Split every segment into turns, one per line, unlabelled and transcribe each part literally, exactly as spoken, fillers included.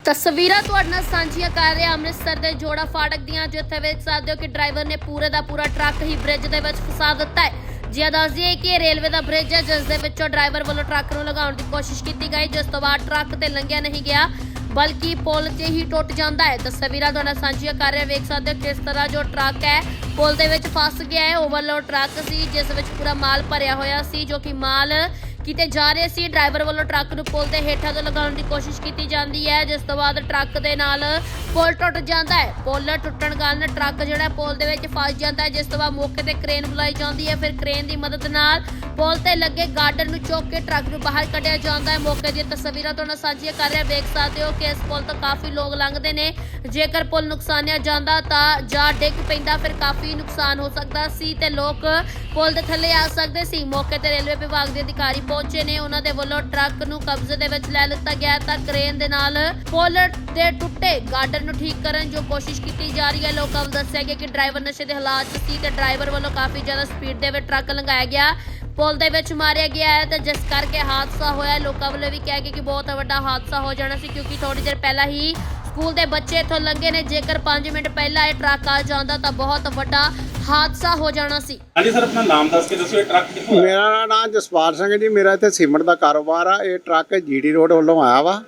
ਤਸਵੀਰਾਂ ਤੁਹਾਡੇ ਨਾਲ ਸਾਂਝੀਆਂ ਕਰ ਰਹੇ ਹਾਂ ਅੰਮ੍ਰਿਤਸਰ ਦੇ ਜੋੜਾ ਫਾਟਕ ਦੀਆਂ, ਜਿੱਥੇ ਵੇਖ ਸਕਦੇ ਹੋ ਕਿ ਡਰਾਈਵਰ ਨੇ ਪੂਰੇ ਦਾ ਪੂਰਾ ਟਰੱਕ ਹੀ ਬ੍ਰਿਜ ਦੇ ਵਿੱਚ ਫਸਾ ਦਿੱਤਾ ਹੈ। ਜੀ ਦੱਸ ਦਈਏ ਕਿ ਇਹ ਰੇਲਵੇ ਦਾ ਬ੍ਰਿਜ ਹੈ, ਜਿਸ ਦੇ ਵਿੱਚੋਂ ਡਰਾਈਵਰ ਵੱਲੋਂ ਟਰੱਕ ਨੂੰ ਲਗਾਉਣ ਦੀ ਕੋਸ਼ਿਸ਼ ਕੀਤੀ ਗਈ, ਜਿਸ ਤੋਂ ਬਾਅਦ ਟਰੱਕ ਤੇ ਲੰਘਿਆ ਨਹੀਂ ਗਿਆ ਬਲਕਿ ਪੁਲ ਤੇ ਹੀ ਟੁੱਟ ਜਾਂਦਾ ਹੈ। ਤਸਵੀਰਾਂ ਤੁਹਾਡੇ ਨਾਲ ਸਾਂਝੀਆਂ ਕਰ ਰਹੇ ਹਾਂ, ਵੇਖ ਸਕਦੇ ਹੋ ਕਿਸ ਤਰ੍ਹਾਂ ਜੋ ਟਰੱਕ ਹੈ ਪੁਲ ਦੇ ਵਿੱਚ ਫਸ ਗਿਆ ਹੈ। ਓਵਰਲੋਡ ਟਰੱਕ ਸੀ ਜਿਸ ਵਿੱਚ ਪੂਰਾ ਮਾਲ ਭਰਿਆ ਹੋਇਆ ਸੀ, ਜੋ ਕਿ ਮਾਲ ਕਿਤੇ ਜਾ ਰਹੇ ਸੀ। ਡਰਾਈਵਰ ਵੱਲੋਂ ਟਰੱਕ ਨੂੰ ਪੁਲ ਦੇ ਹੇਠਾਂ ਤੋਂ ਲਗਾਉਣ ਦੀ ਕੋਸ਼ਿਸ਼ ਕੀਤੀ ਜਾਂਦੀ ਹੈ, ਜਿਸ ਤੋਂ ਬਾਅਦ ਟਰੱਕ ਦੇ ਨਾਲ ਪੁਲ ਟੁੱਟ ਜਾਂਦਾ ਹੈ। ਪੁਲ ਟੁੱਟਣ ਕਾਰਨ ਟਰੱਕ ਜਿਹੜਾ ਪੁਲ ਦੇ ਵਿੱਚ ਫਸ ਜਾਂਦਾ ਹੈ, ਜਿਸ ਤੋਂ ਬਾਅਦ ਮੌਕੇ ਤੇ ਕ੍ਰੇਨ ਬੁਲਾਈ ਜਾਂਦੀ ਹੈ। ਫਿਰ ਕ੍ਰੇਨ ਦੀ ਮਦਦ ਨਾਲ ਪੁਲ ਤੇ ਲੱਗੇ ਗਾਰਡਰ ਨੂੰ ਚੁੱਕ ਕੇ ਟਰੱਕ ਨੂੰ ਬਾਹਰ ਕੱਢਿਆ ਜਾਂਦਾ ਹੈ। ਮੌਕੇ ਦੀਆਂ ਤਸਵੀਰਾਂ ਤੋਂ ਨਾਲ ਸਾਂਝੀਆਂ ਕਰ ਰਿਹਾ, ਵੇਖ ਸਕਦੇ ਹੋ ਕਿ ਇਸ ਪੁਲ ਤੋਂ ਕਾਫੀ ਲੋਕ ਲੰਘਦੇ ਨੇ। ਜੇਕਰ ਪੁਲ ਨੁਕਸਾਨਿਆ ਜਾਂਦਾ ਤਾਂ ਜਾਂ ਡਿੱਗ ਪੈਂਦਾ ਫਿਰ ਕਾਫੀ ਨੁਕਸਾਨ ਹੋ ਸਕਦਾ ਸੀ ਤੇ ਲੋਕ ਪੁਲ ਦੇ ਥੱਲੇ ਆ ਸਕਦੇ ਸੀ। ਮੌਕੇ ਤੇ ਰੇਲਵੇ ਵਿਭਾਗ ਦੇ ਅਧਿਕਾਰੀ ਪਹੁੰਚੇ ਨੇ, ਉਹਨਾਂ ਦੇ ਵੱਲੋਂ ਟਰੱਕ ਨੂੰ ਕਬਜ਼ੇ ਦੇ ਵਿੱਚ ਲੈ ਲਿੱਤਾ ਗਿਆ ਤਾਂ ਕ੍ਰੇਨ ਦੇ ਨਾਲ ਪੁਲ ਦੇ ਟੁੱਟੇ ਗਾਰਡਰ ਨੂੰ ਠੀਕ ਕਰਨ ਜੋ ਕੋਸ਼ਿਸ਼ ਕੀਤੀ ਜਾ ਰਹੀ ਹੈ। ਲੋਕਾਂ ਨੂੰ ਦੱਸਿਆ ਗਿਆ ਕਿ ਡਰਾਈਵਰ ਨਸ਼ੇ ਦੇ ਹਾਲਾਤ 'ਚ ਸੀ ਤੇ ਡਰਾਈਵਰ ਵੱਲੋਂ ਕਾਫੀ ਜ਼ਿਆਦਾ ਸਪੀਡ ਦੇ ਵਿੱਚ ਟਰੱਕ ਲੰਘਾਇਆ ਗਿਆ, ਪੁਲ ਦੇ ਵਿੱਚ ਮਾਰਿਆ ਗਿਆ ਹੈ ਤੇ ਜਿਸ ਕਰਕੇ ਹਾਦਸਾ ਹੋਇਆ। ਲੋਕਾਂ ਵੱਲੋਂ ਵੀ ਕਿਹਾ ਗਿਆ ਕਿ ਬਹੁਤ ਵੱਡਾ ਹਾਦਸਾ ਹੋ ਜਾਣਾ ਸੀ, ਕਿਉਂਕਿ ਥੋੜੀ ਦੇਰ ਪਹਿਲਾਂ ਹੀ ਸਕੂਲ ਦੇ ਬੱਚੇ ਇੱਥੋਂ ਲੰਘੇ ਨੇ। ਜੇਕਰ ਪੰਜ ਮਿੰਟ ਪਹਿਲਾਂ ਇਹ ਟਰੱਕ ਆ ਜਾਂਦਾ ਤਾਂ ਬਹੁਤ ਵੱਡਾ ਹਾਦਸਾ ਹੋ ਜਾਣਾ ਸੀ।
ਹਾਂਜੀ ਸਰ, ਆਪਣਾ ਨਾਮ ਦੱਸ ਕੇ ਦੱਸੋ, ਇਹ ਟਰੱਕ ਕਿੱਥੋਂ ਆਇਆ?
ਮੇਰਾ ਨਾਮ ਜਸਪਾਲ ਸਿੰਘ ਜੀ, ਮੇਰਾ ਇੱਥੇ ਸੀਮੈਂਟ ਦਾ ਕਾਰੋਬਾਰ ਆ। ਇਹ ਟਰੱਕ ਜੀਡੀ ਰੋਡ ਵੱਲੋਂ ਆਇਆ ਵਾ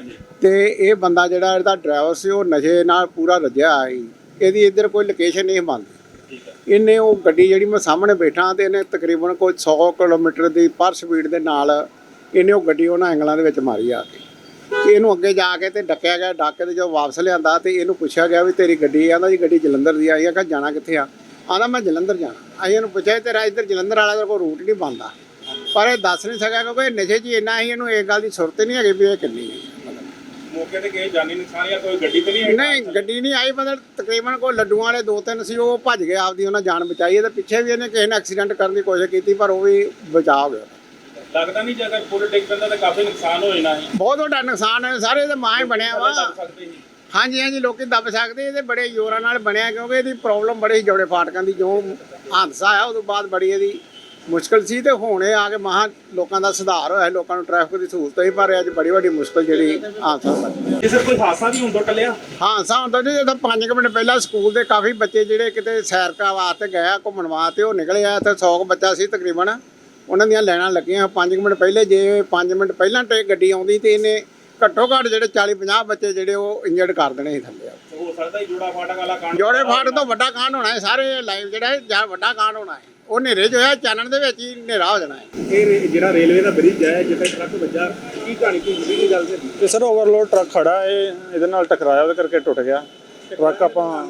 ਤੇ ਇਹ ਬੰਦਾ ਜਿਹੜਾ ਇਹਦਾ ਡਰਾਈਵਰ ਸੀ ਉਹ ਨਸ਼ੇ ਨਾਲ ਪੂਰਾ ਰੱਜਿਆ ਆਇਆ ਸੀ। ਇਹਦੀ ਇੱਧਰ ਕੋਈ ਲੋਕੇਸ਼ਨ ਨਹੀਂ ਬਣਦੀ। ਇਹਨੇ ਉਹ ਗੱਡੀ ਜਿਹੜੀ ਮੈਂ ਸਾਹਮਣੇ ਬੈਠਾ ਤੇ ਇਹਨੇ ਤਕਰੀਬਨ ਕੋਈ ਸੌ ਕਿਲੋਮੀਟਰ ਦੀ ਪਰ ਸਪੀਡ ਦੇ ਨਾਲ ਇਹਨੇ ਉਹ ਗੱਡੀ ਉਹਨਾਂ ਐਂਗਲਾਂ ਦੇ ਵਿੱਚ ਮਾਰੀ ਆ ਕੇ ਤੇ ਇਹਨੂੰ ਅੱਗੇ ਜਾ ਕੇ ਤੇ ਡੱਕਿਆ ਗਿਆ। ਡੱਕ ਤੇ ਜੋ ਵਾਪਸ ਲਿਆਂਦਾ ਤੇ ਇਹਨੂੰ ਪੁੱਛਿਆ ਗਿਆ ਵੀ ਤੇਰੀ ਗੱਡੀ ਆਂਦਾ ਜੀ ਗੱਡੀ ਜਲੰਧਰ ਦੀ ਆਈ ਆ। ਕਿ ਜਾਣਾ ਕਿੱਥੇ ਆ? ਆਂਦਾ ਮੈਂ ਜਲੰਧਰ ਜਾਣਾ। ਅਸੀਂ ਇਹਨੂੰ ਪੁੱਛਿਆ ਤੇਰਾ ਇੱਧਰ ਜਲੰਧਰ ਵਾਲਾ ਕੋਈ ਰੂਟ ਨਹੀਂ ਬਣਦਾ, ਪਰ ਇਹ ਦੱਸ ਨਹੀਂ ਸਕਿਆ ਕਿਉਂਕਿ ਇਹ ਨਸ਼ੇ 'ਚ ਇੰਨਾ ਹੀ ਇਹਨੂੰ ਇਹ ਗੱਲ ਦੀ ਸੁਰਤ ਨਹੀਂ ਹੈਗੀ ਵੀ ਇਹ ਕਿੰਨੀ ਹੈ।
ਮੌਕੇ ਤੇ ਕਿਸੇ ਜਾਨੀ ਨੁਕਸਾਨ ਜਾਂ ਕੋਈ ਗੱਡੀ ਤੇ ਨਹੀਂ ਆਈ?
ਨਹੀਂ ਗੱਡੀ ਨਹੀਂ ਆਈ, ਮਤਲਬ ਤਕਰੀਬਨ ਕੋਈ ਲੱਡੂਆਂ ਵਾਲੇ ਦੋ ਤਿੰਨ ਸੀ, ਉਹ ਭੱਜ ਗਏ, ਆਪਦੀ ਉਹਨਾਂ ਜਾਨ ਬਚਾਈ। ਤੇ ਪਿੱਛੇ ਵੀ ਇਹਨੇ ਕਿਸੇ ਨੇ ਐਕਸੀਡੈਂਟ ਕਰਨ ਦੀ ਕੋਸ਼ਿਸ਼ ਕੀਤੀ ਪਰ ਉਹ ਵੀ ਬਚਾ ਹੋ ਗਿਆ।
ਲੱਗਦਾ ਨਹੀਂ ਜੇ ਅਗਰ ਪੁਲ ਡਿੱਗ ਪੈਂਦਾ ਤਾਂ ਕਾਫੀ ਨੁਕਸਾਨ ਹੋ ਜਾਣਾ ਹੈ।
ਬਹੁਤ ਵੱਡਾ ਨੁਕਸਾਨ ਹੈ, ਸਾਰੇ ਇਹਦੇ ਮਾਂ ਹੀ ਬਣਿਆ ਵਾ।
ਸਕਦੇ ਸੀ।
ਹਾਂਜੀ ਹਾਂਜੀ, ਲੋਕੀ ਦੱਬ ਸਕਦੇ। ਇਹਦੇ ਬੜੇ ਜ਼ੋਰਾਂ ਨਾਲ ਬਣਿਆ ਕਿਉਂਕਿ ਇਹਦੀ ਪ੍ਰੋਬਲਮ ਬੜੀ ਜੋੜੇ ਫਾਟਕਾਂ ਦੀ। ਜੋ ਹਾਦਸਾ ਆਇਆ ਉਦੋਂ ਬਾਅਦ ਬੜੀ ਇਹਦੀ ਮੁਸ਼ਕਲ ਸੀ ਤੇ ਹੁਣ ਇਹ ਆ ਕੇ ਮਹਾਂ ਲੋਕਾਂ ਦਾ ਸੁਧਾਰ ਹੋਇਆ, ਲੋਕਾਂ ਨੂੰ ਟ੍ਰੈਫਿਕ ਦੀ ਸਹੂਲਤ ਹੋਈ, ਪਰ ਅੱਜ ਬੜੀ ਵੱਡੀ ਮੁਸ਼ਕਲ ਜਿਹੜੀ ਹਾਦਸਾ ਹੋਇਆ।
ਜੇ ਸਰ ਕੋਈ ਹਾਦਸਾ ਵੀ ਹੁੰਦਾ ਟੱਲਿਆ?
ਹਾਦਸਾ ਹੁੰਦਾ ਜੀ, ਜਦੋਂ ਪੰਜ ਕੁ ਮਿੰਟ ਪਹਿਲਾਂ ਸਕੂਲ ਦੇ ਕਾਫੀ ਬੱਚੇ ਜਿਹੜੇ ਕਿਤੇ ਸੈਰ ਕਰਨ ਵਾਸਤੇ ਗਏ ਆ, ਘੁੰਮਣ ਵਾਸਤੇ, ਉਹ ਨਿਕਲੇ ਆ ਤੇ ਸੌ ਕੁ ਬੱਚਾ ਸੀ ਤਕਰੀਬਨ। ਉਹਨਾਂ ਦੀਆਂ ਲਾਈਨਾਂ ਲੱਗੀਆਂ ਪੰਜ ਕੁ ਮਿੰਟ ਪਹਿਲੇ। ਜੇ ਪੰਜ ਮਿੰਟ ਪਹਿਲਾਂ ਟੇ ਗੱਡੀ ਆਉਂਦੀ ਤੇ ਇਹਨੇ ਘੱਟੋ ਘੱਟ ਜਿਹੜੇ ਚਾਲੀ ਪੰਜਾਹ ਬੱਚੇ ਜਿਹੜੇ ਉਹ ਇੰਜਰਡ ਕਰ ਦੇਣੇ ਸੀ ਥੱਲੇ।
ਹੋ ਸਕਦਾ ਜੋੜਾ ਫਾਟਕ ਵਾਲਾ ਕਾਂਡ?
ਜੋੜੇ ਫਾਟਕ ਤੋਂ ਵੱਡਾ ਕਾਂਡ ਹੋਣਾ ਹੈ, ਸਾਰੇ ਲਾਈਵ ਜਿਹੜਾ ਹੈ ਜਾਂ ਵੱਡਾ ਕਾਂਡ ਹੋਣਾ ਹੈ। ਉਹ ਹਨੇਰੇ 'ਚ ਹੋਇਆ, ਚਾਨਣ ਦੇ ਵਿੱਚ ਹੀ ਹਨੇਰਾ ਹੋ ਜਾਣਾ ਹੈ।
ਇਹ ਜਿਹੜਾ ਰੇਲਵੇ ਦਾ ਬ੍ਰਿਜ ਹੈ ਜਿੱਥੇ ਟਰੱਕ ਵੱਜਾ, ਕੀ ਕਹਾਣੀ ਕੀ ਹੋਈ ਕੀ ਗੱਲ ਸੀ?
ਤੇ ਸਰ ਓਵਰਲੋਡ ਟਰੱਕ ਖੜਾ ਹੈ, ਇਹਦੇ ਨਾਲ ਟਕਰਾਇਆ, ਉਹਦੇ ਕਰਕੇ ਟੁੱਟ ਗਿਆ ਟਰੱਕ। ਆਪਾਂ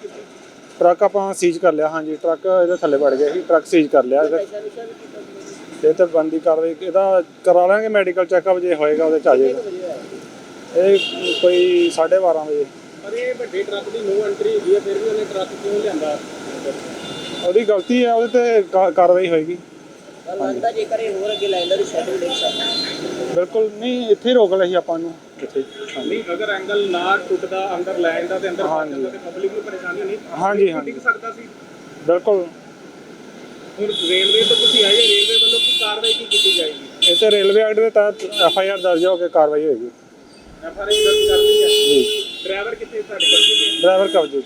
ਟਰੱਕ ਆਪਾਂ ਸੀਜ਼ ਕਰ ਲਿਆ। ਹਾਂਜੀ, ਟਰੱਕ ਇਹਦੇ ਥੱਲੇ ਵੜ ਗਿਆ ਸੀ, ਟਰੱਕ ਸੀਜ਼ ਕਰ ਲਿਆ। ਇਹ ਤਾਂ ਬੰਦੀ ਕਾਰਵਾਈ ਇਹਦਾ ਕਰਾ ਲਾਂਗੇ, ਮੈਡੀਕਲ ਚੈੱਕਅਪ ਜੇ ਹੋਏਗਾ ਉਹਦੇ 'ਚ ਆ ਜਾਏਗਾ। ਇਹ ਕੋਈ ਸਾਢੇ ਬਾਰਾਂ ਵਜੇ।
ਪਰ ਇਹ ਵੱਡੇ ਟਰੱਕ ਦੀ ਨੋ ਐਂਟਰੀ ਹੈਗੀ ਹੈ, ਫਿਰ ਵੀ ਉਹਨੇ ਟਰੱਕ ਕਿਉਂ ਲਿਆਂਦਾ?
ਉਹਦੀ ਗਲਤੀ ਹੈ, ਉਹਦੇ ਤੇ ਕਾ- ਕਾਰਵਾਈ ਹੋਏਗੀ।
ਲੱਗਦਾ ਜੇਕਰ ਇਹ ਹੋਰ ਅੱਗੇ ਲਾਈਨ ਦਾ ਸ਼ੈਡਿਊਲ ਦੇਖ ਸਕਦਾ।
ਬਿਲਕੁਲ ਨਹੀਂ, ਇੱਥੇ ਹੀ ਰੋਕ ਲਿਆ ਸੀ ਆਪਾਂ ਨੂੰ ਇੱਥੇ।
ਨਹੀਂ, ਅਗਰ ਐਂਗਲ ਨਾ ਟੁੱਟਦਾ ਅੰਦਰ ਲਾਈਨ ਦਾ ਤੇ ਅੰਦਰ ਫਸ
ਹਾਂਜੀ।
ਜਾਂਦਾ ਤੇ ਪਬਲਿਕ ਨੂੰ ਪਰੇਸ਼ਾਨੀ ਨਹੀਂ?
ਹਾਂਜੀ ਹਾਂਜੀ,
ਡਿੱਗ ਸਕਦਾ ਸੀ।
ਬਿਲਕੁਲ।
ਹੁਣ ਰੇਲਵੇ ਤੋਂ ਤੁਸੀਂ ਆਏ, ਰੇਲਵੇ ਵੱਲੋਂ ਕੀ ਕਾਰਵਾਈ ਕੀ ਕੀਤੀ ਜਾਏਗੀ?
ਇਹ ਤੇ ਰੇਲਵੇ ਐਕਟ ਦੇ ਤਹਿਤ ਐਫ ਆਈ ਆਰ ਦਰਜ ਹੋ ਕੇ ਕਾਰਵਾਈ ਹੋਏਗੀ
ਐਫ ਆਰ ਆਈ ਦਰਜ ਕਰ ਲਈ ਹੈ
ਜੀ।
ਡਰਾਈਵਰ ਕਿੱਥੇ? ਸਾਡੇ ਕੋਲ
ਡਰਾਈਵਰ ਕਬਜ਼ੇ 'ਚ।